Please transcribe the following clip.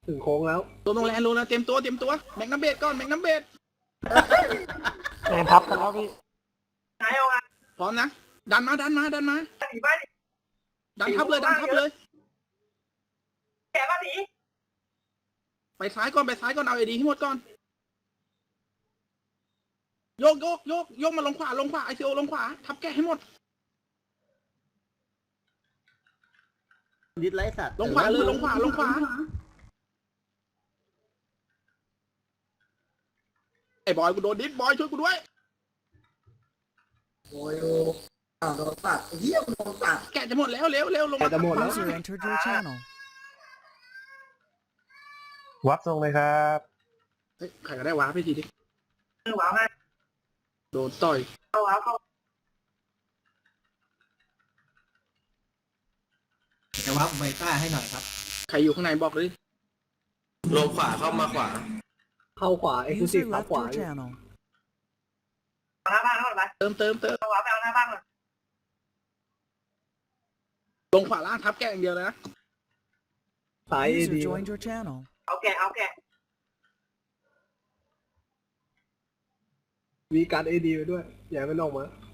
ถึงโค้งแล้วตัวตรงแลนด์รู้แล้วเตรียมตัวแม็กนัมเบดก่อนแม็กนัมเบดแรงทับกันแล้วพี่ไหนเอาไงพร้อมนะดันมาหนีบ้านดันทับเลยแกบ้านหนีไปซ้ายก่อนเอาไอดีให้หมดก่อนโยกมาลงขวาไอซีโอลงขวาทับแกให้หมดดิสไลสัตว์ลงขวาเลยลงขวาไอ้บอยกูโดนดิสบอยช่วยกูด้วยโอ้ยอ้าวโดนตัดเหี้ยโดนตัดแกะจะหมดแล้วเร็วลงมาจะหมดแล้ว User entered your channel. วับทรงเลยครับเฮ้ยใครก็ได้ว้าไปทีดิหวาวมาโดนต่อยเข้าหวาวเข้าจะวับไบต้าให้หน่อยครับใครอยู่ข้างในบอกเลยลงขวาเข้ามาขวาเข้าขวาเอ็กซ์คลูซีฟ User เข้า left ขวา your channel. เอาหน้าบ้านเข้าไปเติมเอาหวาวไปเอาหน้าบ้านก่อนลงขวาล่างทับแกะอย่างเดียวเลยนะสายเอ User ดี joined your channel. เอาแกะวีการเอดีไปด้วย อย่าให้มันออกมา